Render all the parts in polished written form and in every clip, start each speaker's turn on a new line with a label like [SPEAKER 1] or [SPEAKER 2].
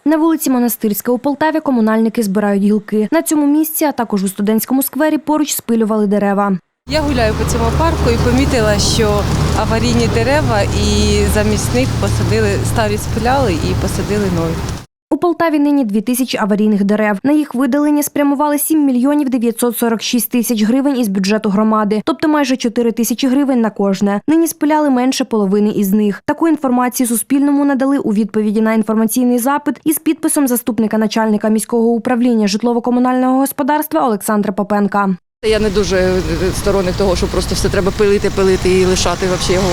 [SPEAKER 1] На вулиці Монастирська у Полтаві комунальники збирають гілки. На цьому місці, а також у студентському сквері поруч спилювали дерева.
[SPEAKER 2] Я гуляю по цьому парку і помітила, що аварійні дерева і замість них посадили, старі спиляли і посадили нові.
[SPEAKER 1] У Полтаві нині 2000 аварійних дерев. На їх видалення спрямували 7 мільйонів 946 тисяч гривень із бюджету громади, тобто майже 4 тисячі гривень на кожне. Нині спиляли менше половини із них. Таку інформацію Суспільному надали у відповіді на інформаційний запит із підписом заступника начальника міського управління житлово-комунального господарства Олександра Попенка.
[SPEAKER 2] Я не дуже сторонник того, що просто все треба пилити і лишати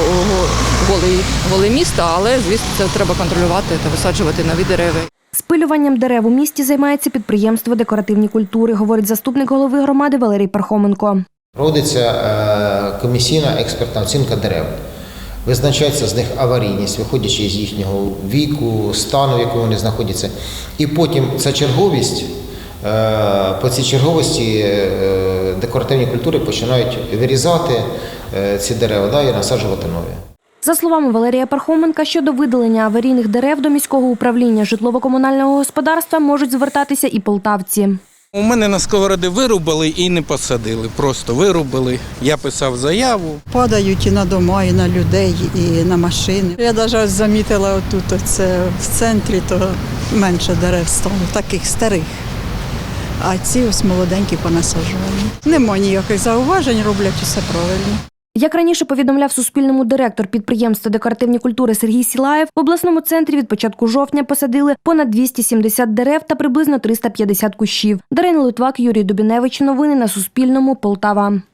[SPEAKER 2] голе місто, але, звісно, це треба контролювати та висаджувати нові дерева.
[SPEAKER 1] Спилюванням дерев у місті займається підприємство «Декоративні культури», говорить заступник голови громади Валерій Пархоменко.
[SPEAKER 3] Проводиться комісійна експертна оцінка дерев. Визначається з них аварійність, виходячи з їхнього віку, стану, в якому вони знаходяться. І потім ця черговість, по цій черговості декоративні культури починають вирізати ці дерева і насаджувати нові.
[SPEAKER 1] За словами Валерія Пархоменка, щодо видалення аварійних дерев до міського управління житлово-комунального господарства можуть звертатися і полтавці.
[SPEAKER 4] У мене на сковороди вирубали і не посадили, просто вирубали. Я писав заяву.
[SPEAKER 5] Падають і на дома, і на людей, і на машини. Я навіть замітила отут, це в центрі, то менше дерев стало, таких старих. А ці ось молоденькі понасаджувані. Нема ніяких зауважень, роблять усе правильно.
[SPEAKER 1] Як раніше повідомляв Суспільному директор підприємства «Декоративні культури» Сергій Сілаєв, в обласному центрі від початку жовтня посадили понад 270 дерев та приблизно 350 кущів. Дарина Литвак, Юрій Дубіневич. Новини на Суспільному. Полтава.